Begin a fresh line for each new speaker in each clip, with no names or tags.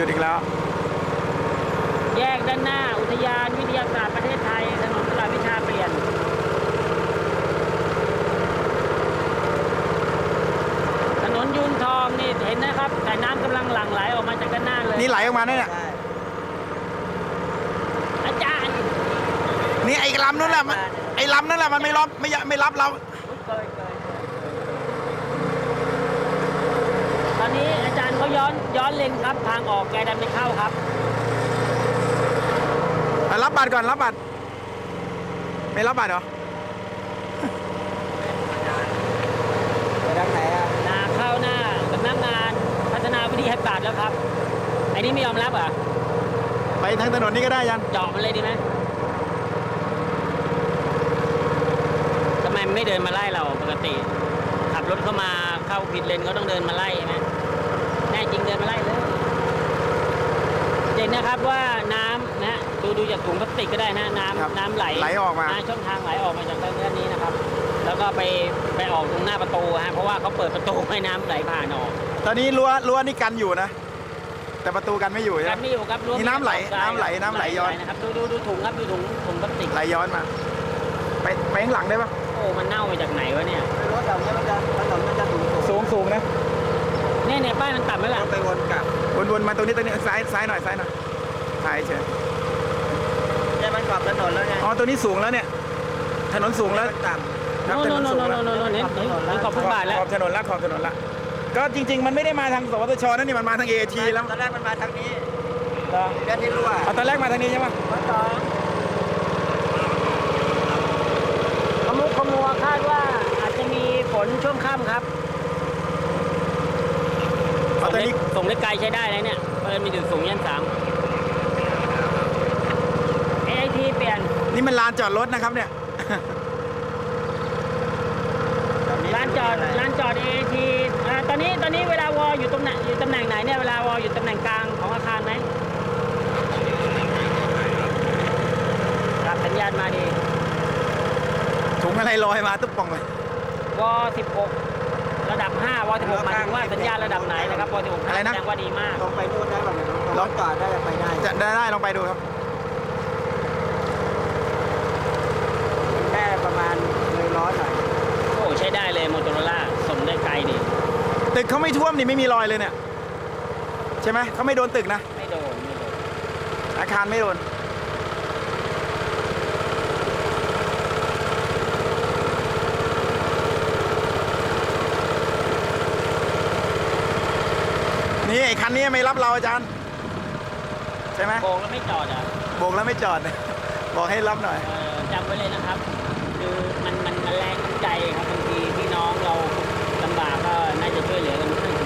ยุดอีกแล้ว
แยกด้านหน้าอุทยานวิทยาศาสตร์ประเทศไทยถนนตลาดวิชาเปลี่ยนถนนยูนทองนี่เห็นนะครับแต่น้ำกำลังหลั่งไหลออกมาจากด้านหน้าเลย
นี่ไหลออกมาเนี่ย
อาจารย์
นี่ไอ้ลำนั่นแหละไอ้ลำนั่นแหละมันไม่รับเรา
ตอนนี้อาจารย์เขาย้อนเลนครับทางออกแกดันไม่เข้าครับ
รับบัตรก่อนรับบัตรไม่รับบัตรเหรอ
ไปทางไหนอ่ะ
เข้าหน้าสำนักงานพัฒนาวิทยาศาสตร์แล้วครับไอ้นี่ไม่ยอมรับเหรอ
ไปทางถนนนี้ก็ได้ยัน
เจาะมันเลยดีไหมทำไมไม่เดินมาไล่เราปกติขับรถเข้ามาเข้าผิดเลนเขาต้องเดินมาไล่ไหมแน่จริงเดินมาไล่เลยเห็นนะครับว่าน้ำนะดูจากถุงพลาสติกก็ได้นะน้ำไหล
ออกมา
ช่องทางไหลออกมาจากด้านนี้นะครับแล้วก็ไปออกตรงหน้าประตูฮะเพราะว่าเขาเปิดประตูให้น้ำไหลผ่านออก
ตอนนี้รั้วนี่กันอยู่นะแต่ประตูกันไม่อยู่
กันไม่อยู่ครับ
นี่น้ำไหลย้อน
นะครับดูถุงครับดูถุงพลาสติก
ไหลย้อนมาไปข้างหลังได้ปะ
โอ้มันเน่ามาจากไหนวะเนี่ย
รถเราเนี่ยมันจะ
สูงนะ
เนี่ยป้ายมันต่ำไหมล่ะ
ไปวนกลับ
วนมาตรงนี้ซ้ายหน่อยถ่ายเฉย
เนี่ยมันขอบถนนแล้วไง
อ๋อตัวนี้สูงแล้วเนี่ยถนนสูงแล้ว
ต่ำ
ครับถนนสูงแล้ว
เนี่ยขอบฟุตบาทแล้ว
ขอบถนนละก็จริงๆมันไม่ได้มาทางสวทชนั่นนี่มันมาทางเอทีแล้ว
ตอนแรกมันมาทางนี้แค่นี้รั่ว
ตอนแรกมาทางนี้ใช่ไหม
ขมัวคาดว่าอาจจะมีฝนช่วงค่ำครับส่งได้ไกลใช้ได้เลยเนี่ยเปิดมีถึงสูงยัน3 AIT เปลี่ยน
นี่มันลานจอดรถนะครับเนี่ย
ลานจอด AIT ตอนนี้เวลาวออยู่ตำแหน่งไหนเนี่ยเวลาวออยู่ตำแหน่งกลางของอาคารไหมรับสัญญาณมาดี
ถุงอะไรลอยมาตุ๊บป่องเลยว
16ระดับ5ว16หมายถึงว่าสัญญาณระดับไหนนะครับว16
อะไรนะ
แสดงว่าดีมาก
ลงไปนู่นได้แบบลองจอดได้ไปได้
จะได้ลองไปดูครับ
แค่ประมาณ100หน่อย
โอ้ใช้ได้เลยโมโตโรล่าส่งได้ไกลดี
ตึกเขาไม่ท่วมนี่ไม่มีรอยเลยเนี่ยใช่ไหมเขาไม่โดนตึกนะ
ไม่โดน
อาคารไม่โดนนี่ไอ้คันนี้ไม่รับเราอาจารย์ใช่ไหม
โบกแล้วไม่จอดอ่ะ
โบกแล้วไม่จอดบอกให้รับหน่อย
จำไว้เลยนะครับคือมันแรงใจครับบางทีพี่น้องเราลำบากก็น่าจะช่วยเหลือกันบ้าง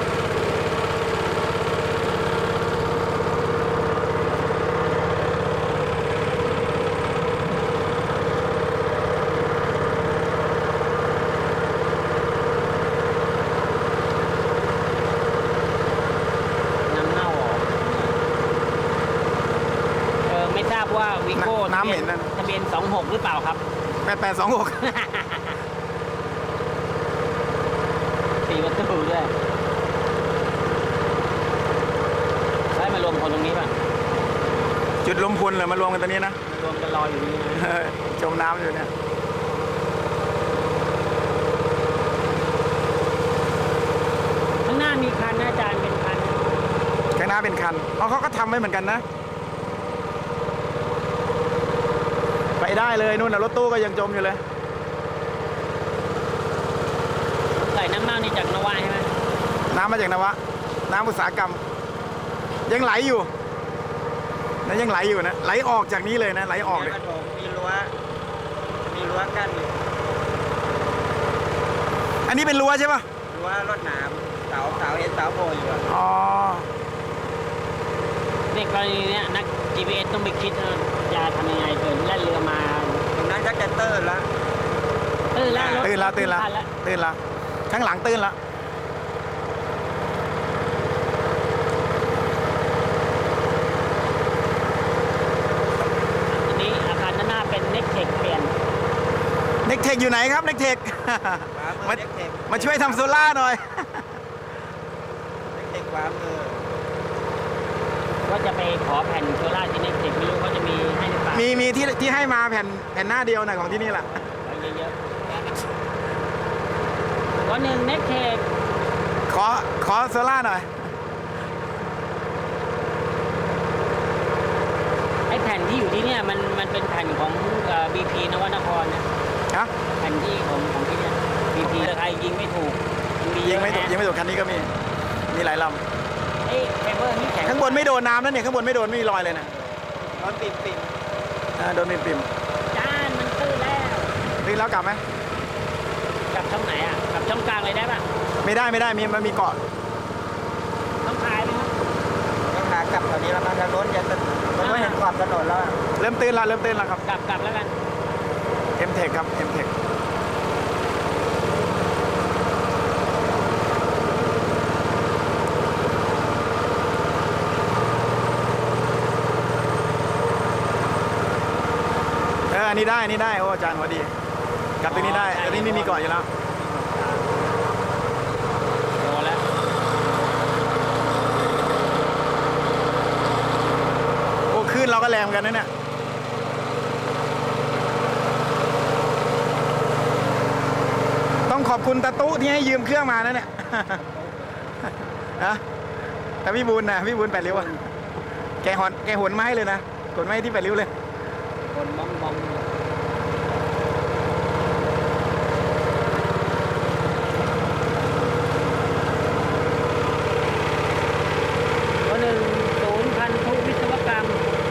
ว่าวิโก้
น้ำเหม็นนั่น
ทะเบียน26หรือเปล่าครับ
8826
4 ประตูด้วยใช้มารวมคนตรงนี้ป่ะ
จุดลมพลเหรอมารวมกันตรงนี้นะ
รวมกันรออยู่นี่นะ
จมน้ำอยู่เนี่ย
ข้างหน้ามีคันนะอาจารย์เป็นคัน
ข้างหน้าเป็นคันเขาก็ทำไว้เหมือนกันนะไปได้เลยนู่นนะรถตู้ก็ยังจมอยู่เลย
ใส่น้ำเน่านี่จากนวะใช่ไหม
น้ำมาจากนวะน้ำอุตสาหกรรมยังไหลอยู่นะยังไหลอยู่นะไหลออกจากนี้เลยนะไหลออกเลย
มีรั้วกั้นอยู่
อันนี้เป็นรั้วใช่ปะ
รั้วรถหนามเสาเห็นเสาโผล่อยู่
อ๋อ
ในกรณีนี้นัก GPS ต้องไปคิดจะทำยังไงเกิดแล่นเรือมา
ตรงนั้นก็จะตื่นละ
ข้างหลังตื่นละ
อันนี้อาคารด้านหน้าเป็นเน็กเทคเปลี่ยน
เน็กเทคอยู่ไหนครับเน็กเทคมาช่วยทำโซล่าหน่อย
เน็กเทคขวามือ
จะไปขอแผ่นโซล่าที่เน็กเทคไม่รู้เขาจะมีให้หรือเปล่า
มีที่ให้มาแผ่นหน้าเดียวนะของที่นี่แหละ
ไว้เยอะๆวันหนึ่งเน็กเทค
ขอโซล่าหน่อย
ไอ้แผ่นที่อยู่ที่เนี่ยมันเป็นแผ่นของBP นวนครนะ
ฮะ
แผ่นที่ของที่เนี่ย BP ราคายิงไม่ถูกมีเย
ยิง
อะ
ไม่ถูก
นะ
ยิงไม่ถูกคันนี้ก็มีหลายล
เอ้เฟเบอร์นี่แข็ง
ำข้างบนไม่โดนน้ำนะเนี่ยข้างบนไม่โดนไม่มีรอยเลยนะ
ร้อนปิ่ม
โดนปิ่ม
จานมันตื้อแล้ว
ๆนี่แล้วกลับไหม
กลับช่องไหนอ่ะกลับช่องกลางเลยได้ป่ะ
ไม่ได้มันมีเกาะ
ต้องพายไหมครับ
ๆยังหากลับแถวนี้แล้วมันจะล้นมันไม่เห็นขอบถนนแล้วอะ
เริ่มตื่นแล้วครับ
กลับแล้วกัน
M-Tech ครับ M-Tech อันนี้ได้โอ้อาจารย์พอดีกลับตรงนี้ได้ตรงนี้ไม่มีเกาะอยู่แล้ว
โดนแล้ว
โอ้ขึ้นเราก็แรงเหมือนกันนะเนี่ยต้องขอบคุณตาตุ๊ที่ให้ยืมเครื่องมานะเนี่ย ฮะแต่พี่บุญ8 ริ้วอะแกหนไม้เลยนะขนไม้ที่8 ริ้วเลย
คนมองวันหนึ่งศูนย์พันธุวิศวกรรม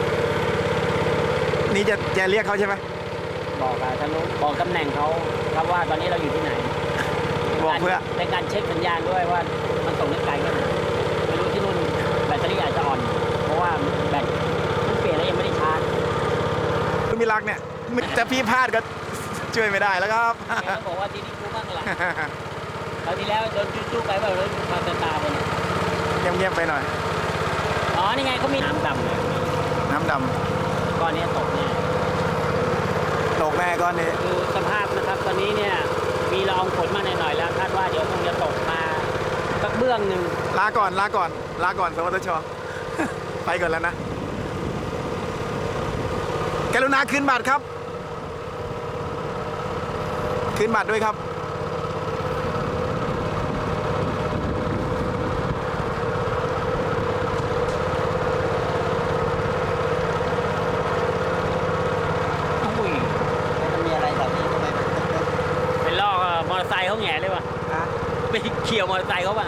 นี่จะเรียกเขาใช่ไหม
บอกอะทะลุบอกตำแหน่งเขาครับว่าตอนนี้เราอยู่ที่ไหน
บอกเพื่อ
ในการเช็คสัญญาณด้วยว่ามันส่งได้ไกลแค่ไหนไม่รู้ที่นู่นแบตเตอรี่อาจจะอ่อน เพราะว่าแบตมันเปลี่ยนแล้วยังไม่ได้ชาร์จ
คุณมิรักเนี่ยจะพี่พลาดก็ช่วยไม่ได้แล้วครับ
แกก็บอกว่าที่นี่กูบ้างแหละคราวที่แล้วโดนจุ๊ๆไปแบบรถพาตาไปเนี่ย
เงียบๆไปหน่อย
อ๋อนี่ไงเขามีน้ำดำเลย
น้ำด
ก้อนนี้ตกเนี่ย
ำตกแน่ก้อนนี้
คือสภาพนะครับตอนนี้เนี่ยมีละอองฝนมาหน่อยๆแล้วคาดว่าเดี๋ยวคงจะตกมาสักเบื้องหนึ่ง
ลาก่อนสวัสดีช ไปก่อนแล้วนะกรุณาคืนบัตรครับคืนบัตรด้วยครับ
อุ้ย
มันมีอะไรแบบนี้ทำไม
ไปลอกมอเตอร์ไซค์เขาแหง่เลยว่ะ
ฮะ
ไปเขี่ยวมอเตอร์ไซค์เขาป่ะ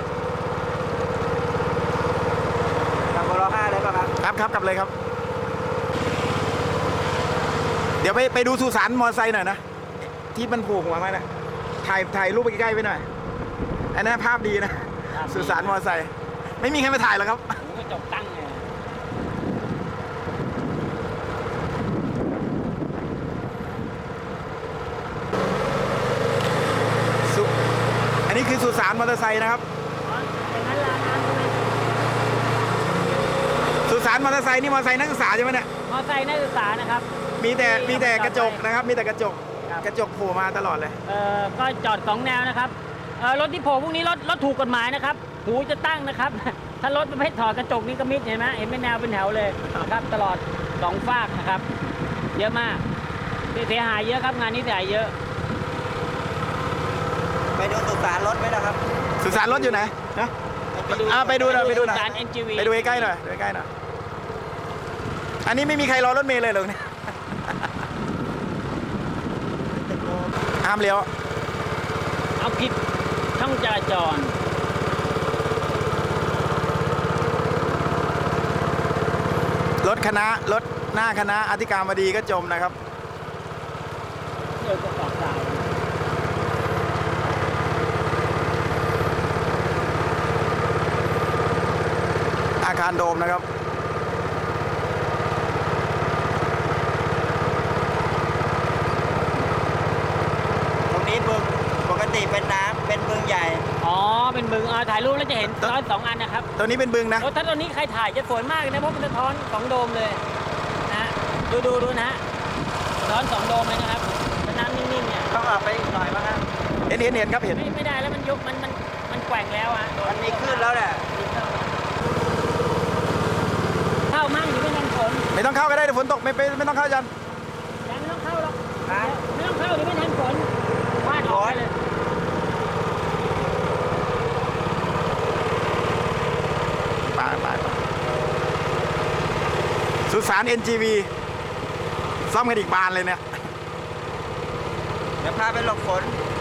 ทางบล5เลยป่ะครับ
ครับกลับเลยครับ เดี๋ยวไปดูสุสานมอเตอร์ไซค์หน่อยนะที่มันผูกหัวมานะถ่ายรูปไปใกล้ๆไปหน่อยอันนั้นภาพดีนะสุสานมอเตอร์ไซค์ไม่มีใครมาถ่ายหรอกครับ
หูกระจกตั้งเลย
อันนี้คือสุสานมอเตอร์ไซค์นะครับ
เป็นนั้นลาน้ำใช่ไหม
สุสานมอเตอร์ไซค์นี่มอเตอร์ไซค์นักศึกษาใช่ไหมเนี่ย
มอเตอร์ไซค์นักศึกษานะครับ
มีแต่กระจกนะครับ มีแต่กระจก
ครับ
กระจกโผล่มาตลอดเลย
ก็จอดสองแนวนะครับรถที่โผล่พวกนี้รถถูกกฎหมายนะครับหูจะตั้งนะครับ ถ้ารถประเภทถอดกระจกนี่ก็มิดเห็นไหมเห็นเป็นแนวเป็นแถวเลยนะครับตลอดสองฝากนะครับ เยอะมากเสียหายเยอะครับงานนี้เสียหายเยอะ
ไปดูสุสานรถไหมนะครับ
สุสานรถอยู่ไหนนะไปดูหน่อย
สาร NGV
ไปดูใกล้ๆหน่อยดูใกล้ๆหน่อยอันนี้ไม่มีใครรอรถเมล์เลยเหรอเนี่ยห้ามเลี้ยว
เอาผิดช่องจราจร
รถหน้าคณะอธิการบดีก็จมนะครับ
เดี๋ยวก็ออกสาย
อาคารโดมนะครับ
ตรงนี้บึงปกติเป็นน้ำเป็นบึงใหญ่
อ๋อเป็นบึงถ่ายรูปแล้วจะเห็นซ้อนสองอันนะครับ
ตัวนี้เป็นบึงนะ
โอ้ถ้าตอนนี้ใครถ่ายจะสวยมากเลยนะเพราะมันสะท้อนสองโดมเลยนะดูนะฮะสะท้อนสองโดมเลยนะครับแล้วน้ำนิ่งๆเนี่ย
ต้องออกไปอีกหน่อยมั้งครับ
เห็นครับเห็น
ไม่ได้แล้วมันยกมันแกว่งแล้วอ่ะ
มันมีขึ้นแล้วแหละ
เท่า
ต้องเข้าก็ได้เดี๋ยวฝนตกไม่ต้องเข้าจัน
ยังไม่ต้องเข้าหรอก
ฮะ
ไม่ต้องเข้าเดี๋ยวไม่ทันฝนวาดออกไปเลย
ไปสุสาน NGV ซ่อมกันอีกบานเลยเนี่ย
เดี๋ยวพาไปหลบฝน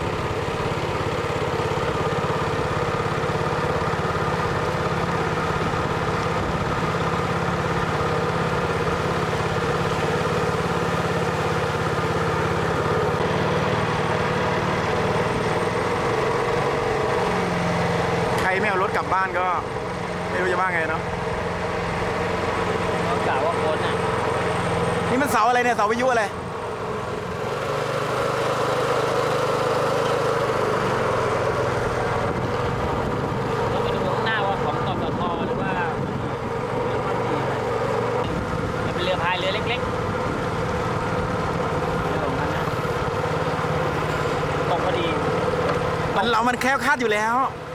ใครไม่เอารถกลับบ้านก็ไม่รู้จะว่าไงเนาะ
เขากล่าวว่าฝนอ่ะ
นี่มันเสาอะไรเนี่ยเสาวิทยุอะไร
ต้องไปดูข้างหน้าว่าของกปทหรือว่าจะเป็นเรือพายเรือเล็กๆเรือของมันนะตกพอดี
มันแคล้วคลาดอยู่แล้ว
เ